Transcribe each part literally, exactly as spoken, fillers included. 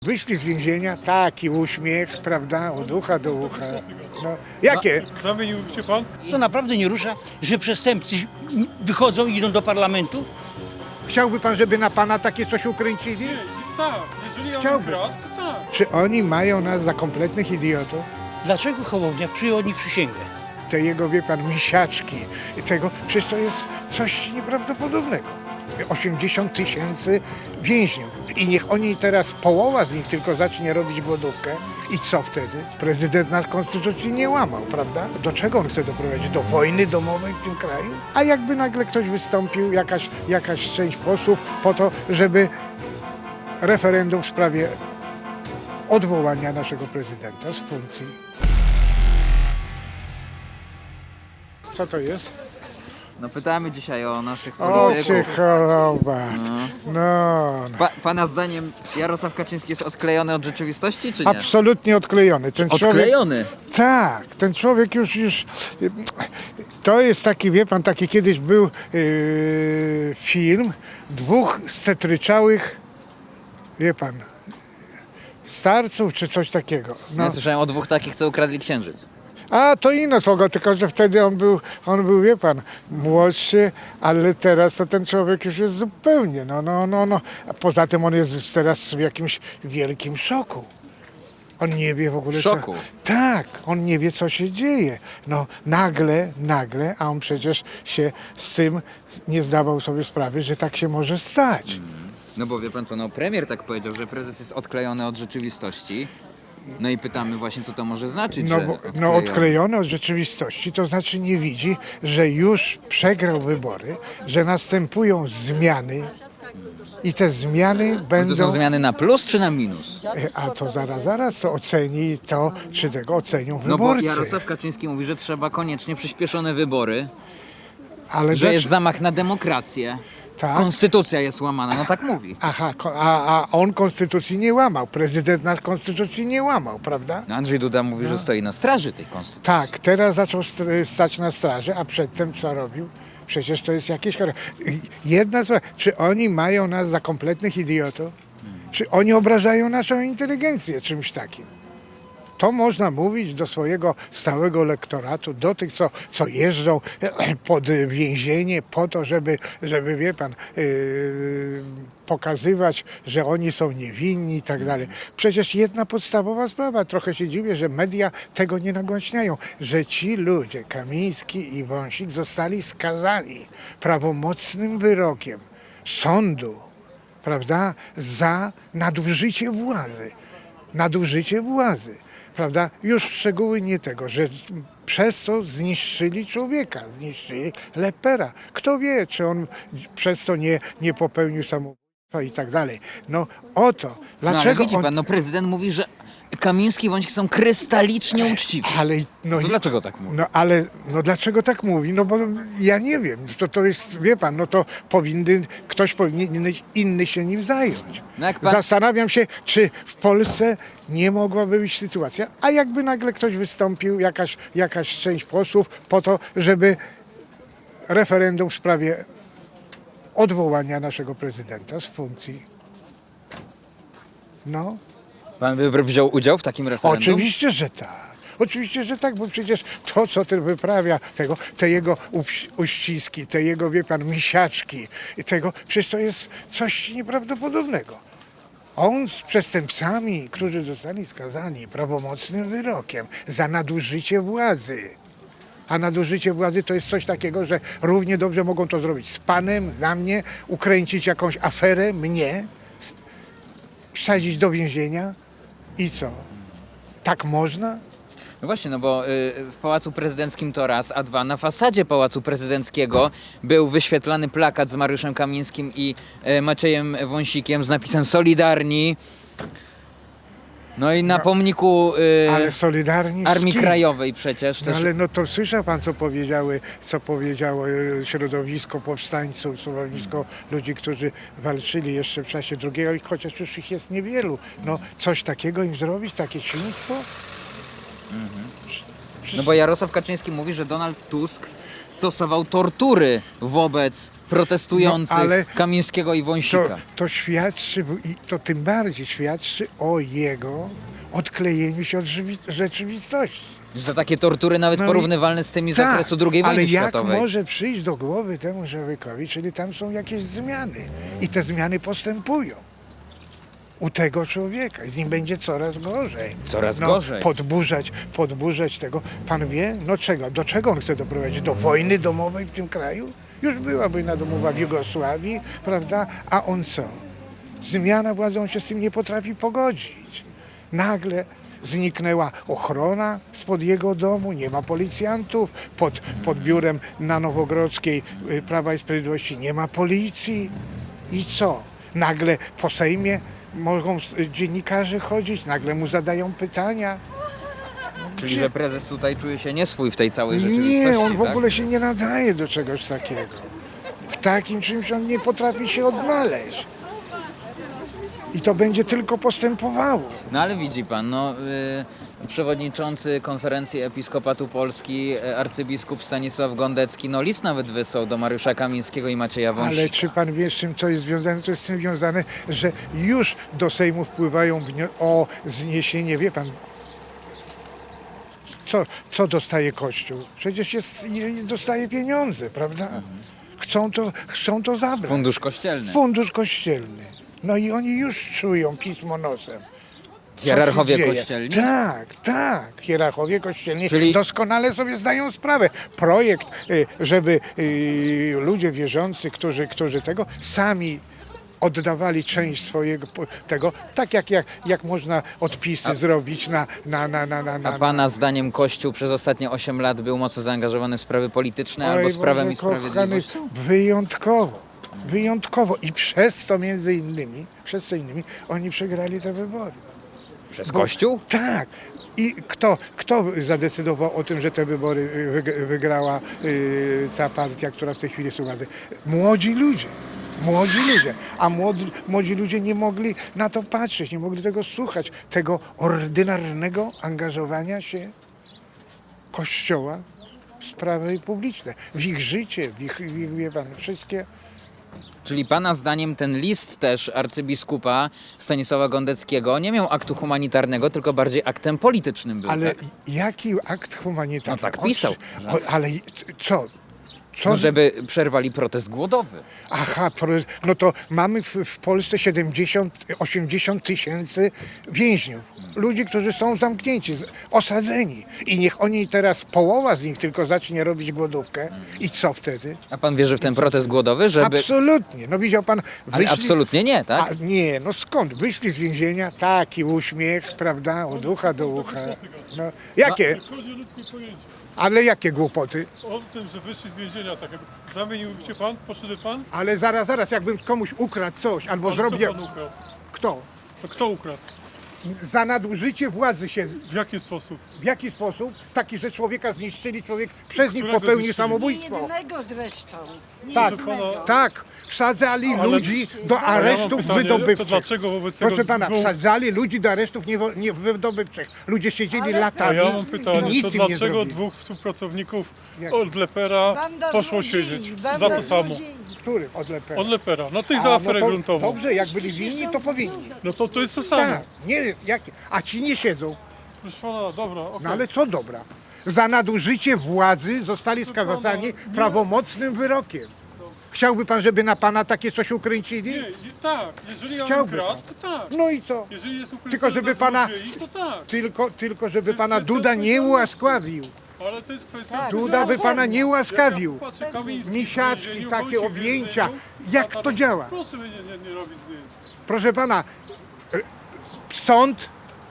Wyszli z więzienia, taki uśmiech, prawda, od ucha do ucha. No, jakie? Zamienił się pan? To naprawdę nie rusza, że przestępcy wychodzą i idą do parlamentu? Chciałby pan, żeby na pana takie coś ukręcili? Tak, jeżeli on Chciałby. ukradł, to tak. Czy oni mają nas za kompletnych idiotów? Dlaczego Hołownia przyjął od nich przysięgę? Te jego, wie pan, misiaczki i tego, przecież to jest coś nieprawdopodobnego. osiemdziesiąt tysięcy więźniów. I niech oni teraz, połowa z nich tylko zacznie robić głodówkę. I co wtedy? Prezydent nasz konstytucji nie łamał, prawda? Do czego on chce doprowadzić? Do wojny domowej w tym kraju? A jakby nagle ktoś wystąpił, jakaś, jakaś część posłów, po to, żeby referendum w sprawie odwołania naszego prezydenta z funkcji. Co to jest? No pytamy dzisiaj o naszych O, polityków. cię choroba. No, no. Pa, pana zdaniem Jarosław Kaczyński jest odklejony od rzeczywistości, czy nie? Absolutnie odklejony. Ten człowiek, Odklejony? tak, ten człowiek już, już, to jest taki, wie pan, taki kiedyś był yy, film dwóch stetryczałych, wie pan, starców czy coś takiego. No. Ja słyszałem o dwóch takich, co ukradli księżyc. A to inna słowa, tylko że wtedy on był, on był, wie pan, młodszy, ale teraz to ten człowiek już jest zupełnie, no, no, no, no. A poza tym on jest teraz w jakimś wielkim szoku. On nie wie w ogóle, W szoku? co... Tak, on nie wie, co się dzieje. No, nagle, nagle, a on przecież się z tym nie zdawał sobie sprawy, że tak się może stać. No bo wie pan co, no premier tak powiedział, że prezes jest odklejony od rzeczywistości. No i pytamy właśnie, co to może znaczyć, No, że bo, odklejony. no odklejony od rzeczywistości, to znaczy nie widzi, że już przegrał wybory, że następują zmiany i te zmiany To będą... są zmiany na plus czy na minus? E, A to zaraz, zaraz to oceni to, czy tego ocenią No bo wyborcy. Jarosław Kaczyński mówi, że trzeba koniecznie przyspieszone wybory, Ale że dlaczego- jest zamach na demokrację. Tak? Konstytucja jest łamana, no tak mówi. Aha, ko- a, a on konstytucji nie łamał, prezydent nasz konstytucji nie łamał, prawda? No Andrzej Duda mówi, że stoi na straży tej konstytucji. Tak, teraz zaczął st- stać na straży, a przedtem co robił? Przecież to jest jakieś... chore- Jedna sprawa, czy oni mają nas za kompletnych idiotów? Czy oni obrażają naszą inteligencję czymś takim? To można mówić do swojego stałego lektoratu, do tych, co, co jeżdżą pod więzienie po to, żeby, żeby wie pan, yy, pokazywać, że oni są niewinni i tak dalej. Przecież jedna podstawowa sprawa, trochę się dziwię, że media tego nie nagłaśniają, że ci ludzie, Kamiński i Wąsik, zostali skazani prawomocnym wyrokiem sądu, prawda, za nadużycie władzy. Nadużycie władzy. Prawda? Już szczegóły nie tego, że przez to zniszczyli człowieka, zniszczyli Lepera. Kto wie, czy on przez to nie, nie popełnił samobójstwa i tak dalej. No o to. No ale Dlaczego widzi on... pan, no prezydent mówi, że Kamiński i Wąsik są krystalicznie uczciwi. Ale, no, To i- dlaczego tak mówi? No ale no dlaczego tak mówi? No bo ja nie wiem. To, to jest, wie pan, no to powinny, ktoś powinien inny się nim zająć. No jak pan- Zastanawiam się, czy w Polsce nie mogłaby być sytuacja, a jakby nagle ktoś wystąpił, jakaś, jakaś część posłów, po to, żeby referendum w sprawie odwołania naszego prezydenta z funkcji. No. Pan by wziął udział w takim referendum? Oczywiście, że tak. Oczywiście, że tak, bo przecież to, co ten wyprawia, tego, te jego uś- uściski, te jego, wie pan, misiaczki i tego, przecież to jest coś nieprawdopodobnego. On z przestępcami, którzy zostali skazani prawomocnym wyrokiem za nadużycie władzy. A nadużycie władzy to jest coś takiego, że równie dobrze mogą to zrobić z panem, na mnie, ukręcić jakąś aferę, mnie, s- wsadzić do więzienia i co? Tak można? No właśnie, no bo y, w Pałacu Prezydenckim to raz, a dwa, na fasadzie Pałacu Prezydenckiego był wyświetlany plakat z Mariuszem Kamińskim i y, Maciejem Wąsikiem z napisem Solidarni. No i na pomniku y, Ale solidarni z Armii kim? Krajowej przecież No też. ale no to słyszał pan, co powiedziały, co powiedziało e, środowisko powstańców, środowisko ludzi, którzy walczyli jeszcze w czasie drugiego, chociaż już ich jest niewielu. No coś takiego im zrobić, takie świństwo? No bo Jarosław Kaczyński mówi, że Donald Tusk stosował tortury wobec protestujących No, ale Kamińskiego i Wąsika. To, to świadczy, i to tym bardziej świadczy o jego odklejeniu się od żywi- rzeczywistości. Że to takie tortury nawet No i- porównywalne z tymi z Tak, okresu drugiej wojny ale jak światowej. może przyjść do głowy temu człowiekowi, czyli tam są jakieś zmiany i te zmiany postępują u tego człowieka. Z nim będzie coraz gorzej. Coraz no, gorzej. Podburzać, podburzać tego. Pan wie, no czego, do czego on chce doprowadzić? Do wojny domowej w tym kraju? Już była wojna domowa w Jugosławii, prawda? A on co? Zmiana władzy, on się z tym nie potrafi pogodzić. Nagle zniknęła ochrona spod jego domu, nie ma policjantów, pod, pod biurem na Nowogrodzkiej y, Prawa i Sprawiedliwości nie ma policji. I co? Nagle po Sejmie mogą s- dziennikarze chodzić, nagle mu zadają pytania. Czyli Gdzie- że prezes tutaj czuje się nieswój w tej całej rzeczywistości. Nie, on w tak? ogóle się nie nadaje do czegoś takiego. W takim czymś on nie potrafi się odnaleźć. I to będzie tylko postępowało. No ale widzi pan, no y, przewodniczący konferencji Episkopatu Polski, y, arcybiskup Stanisław Gondecki, no list nawet wysłał do Mariusza Kamińskiego i Macieja Wąsika. Ale czy pan wie, z czym to jest związane? To jest z tym związane, że już do Sejmu wpływają wnio- o zniesienie, wie pan, co, co dostaje Kościół? Przecież jest, je- dostaje pieniądze, prawda? Chcą to, chcą to zabrać. Fundusz kościelny. Fundusz kościelny. No i oni już czują pismo nosem. Co Hierarchowie się dzieje. kościelni? Tak, tak. Hierarchowie kościelni Czyli- doskonale sobie zdają sprawę. Projekt, y, żeby y, ludzie wierzący, którzy, którzy tego sami oddawali część swojego po- tego, tak jak, jak, jak można odpisy zrobić na, na, na, na, na, A na pana zdaniem Kościół przez ostatnie osiem lat był mocno zaangażowany w sprawy polityczne albo Oj, z prawem Boże i kochany, sprawiedliwością? wyjątkowo. Wyjątkowo. I przez to między innymi, przez to innymi, oni przegrali te wybory. Przez Bo- Kościół? Tak. I kto, kto zadecydował o tym, że te wybory y, wyg- wygrała y, ta partia, która w tej chwili jest u władzy? Młodzi ludzie. Młodzi ludzie. A młodzi, młodzi ludzie nie mogli na to patrzeć, nie mogli tego słuchać, tego ordynarnego angażowania się Kościoła w sprawy publiczne, w ich życie, w ich, w ich wie pan, wszystkie. Czyli pana zdaniem ten list też arcybiskupa Stanisława Gondeckiego nie miał aktu humanitarnego, tylko bardziej aktem politycznym był, Ale tak? jaki akt humanitarny? No tak On- pisał. O, ale co? Co? No, żeby przerwali protest głodowy. Aha, pro- no to mamy w, w Polsce siedemdziesiąt, osiemdziesiąt tysięcy więźniów. Ludzi, którzy są zamknięci, z- osadzeni. I niech oni teraz, połowa z nich tylko zacznie robić głodówkę. I co wtedy? A pan wierzy w ten protest głodowy, żeby... Absolutnie. No widział pan... Ale absolutnie nie, tak? A, nie, no skąd? Wyszli z więzienia, taki uśmiech, prawda, od ucha do ucha. No, jakie? Chodzi o ludzkie pojęcie. Ale jakie głupoty? O tym, że wyszli z więzienia, tak jakby zamieniłby się pan, poszedł pan? Ale zaraz, zaraz, jakbym komuś ukradł coś, albo Ale zrobił... co pan ukradł? Kto? To kto ukradł? Za nadużycie władzy się... W jaki sposób? W jaki sposób? Taki, że człowieka zniszczyli, człowiek przez nich Którego popełnił zniszczyli? Nie samobójstwo. jednego zresztą. Nie Tak, jednego. tak. Wsadzali Ale- ludzi do ale ja mam aresztów pytanie, wydobywczych. to dlaczego wobec tego Proszę pana, dwóch- wsadzali ludzi do aresztów niewo- nie, wydobywczych. Ludzie siedzieli Ale- A latami ja mam i pytanie, nic to im nie dlaczego zrobili. dwóch współpracowników Jak? od Lepera Banda poszło złodziei, siedzieć banda za to samo? złodziei. Których od Lepera? Od Lepera, no tych A, za aferę no to gruntową. Dobrze, jak byli winni, to powinni. No to to jest to samo. Tak, nie, jak, a ci nie siedzą. Proszę pana, dobra, okej. No ale co dobra? Za nadużycie władzy zostali skazani prawomocnym wyrokiem. Chciałby pan, żeby na pana takie coś ukręcili? Nie, nie, tak, jeżeli ja Chciałby ukradł, pan. to tak. No i co? Jeżeli jest ukręcone Tylko żeby dla pana- złodziei, to tak. Tylko, tylko żeby jest pana kwestia Duda nie odpowiedzialności. ułaskawił. Ale to jest kwestia... Tak. Duda by pana nie ułaskawił. Jak ja patrzę, Kamiński w Misiaczki, więzieniu, takie Wąsik w objęcia. więzieniu, Jak a to działa? Proszę mnie nie, nie, nie robić zdjęć. Proszę pana, e, sąd,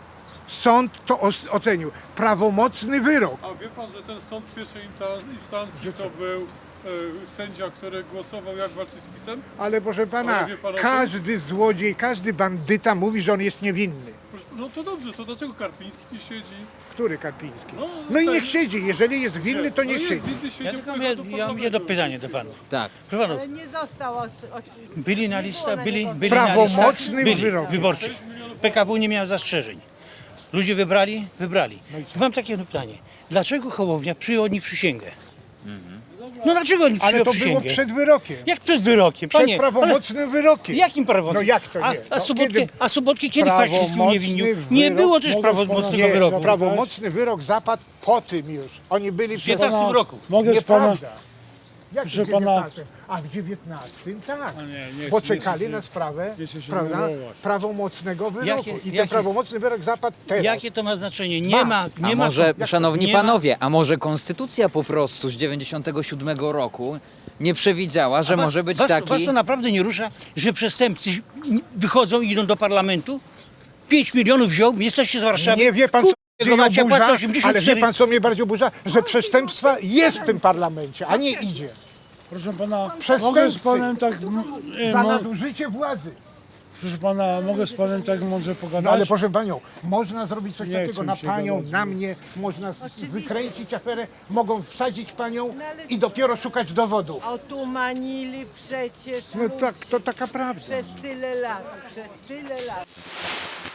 sąd to os- ocenił. Prawomocny wyrok. A wie pan, że ten sąd pierwszej inta- instancji to był e, sędzia, który głosował jak walczy z PiS-em? Ale proszę pana, Ale wie pan o tym? każdy złodziej, każdy bandyta mówi, że on jest niewinny. Proszę- No to dobrze, to dlaczego Karpiński nie siedzi? Który Karpiński? No, No i ten- niech siedzi. Jeżeli jest winny, to No niech jest siedzi. winny, siedzi, Ja tylko wpływa mam, do ja mam jedno parlamentu. pytanie do panów. Tak. Proszę panów, Ale nie został. Od, od, byli na nie listach, było na byli, niego- byli na Prawomocnym listach byli, wyrokiem. wyborczych. P K W nie miał zastrzeżeń. Ludzie wybrali? Wybrali. Mam takie jedno pytanie. dlaczego Hołownia przyjął od nich przysięgę. No dlaczego oni Ale przyjął to było przysięgę? przed wyrokiem. Jak przed wyrokiem? Przed Panie, prawomocnym wyrokiem. ale jakim prawomocnym? No jak to A, nie? a, No Sobotkę, kiedy- a Sobotkę kiedy Kwaśniewski uniewinnił? Prawomocny Nie wyrok- było też Mogę prawomocnego pana- Nie, wyroku. no, prawomocny wyrok zapadł po tym już. Oni byli W przed... dziewiętnastym roku. Mogę z pana, Nieprawda. Jak w Proszę pana- dziewiętnastym? A w dziewiętnastym tak. nie, nie Bo chcę- nie czekali chcę- na sprawę nie chcę się prawda, denerwować. prawomocnego wyroku. Jakie- I ten jakie- prawomocny wyrok zapadł teraz. Jakie to ma znaczenie? Ma. Nie ma, A nie ma. może, to- szanowni nie ma- panowie, a może konstytucja po prostu z dziewięćdziesiątego siódmego roku nie przewidziała, że was, może być was, taki... Was to naprawdę nie rusza, że przestępcy wychodzą i idą do parlamentu? pięć milionów wziął, jesteście z Warszawy. Nie wie pan, co Kurwa, mnie macie oburza, płacę ale osiemdziesiąt wie cztery. pan, co mnie bardziej oburza? Że przestępstwa jest w tym parlamencie, a nie idzie. proszę pana, Przestępcy. mogę z panem tak, m- e, Za mo, nadużycie władzy. proszę pana, mogę z panem tak mądrze pogadać? No ale proszę panią, można zrobić coś Nie takiego chcę na mi się panią, gadać. na mnie, można z- wykręcić aferę, mogą wsadzić panią No ale- i dopiero szukać dowodów. Otumanili przecież No ludzi tak, to taka prawda. przez tyle lat, przez tyle lat.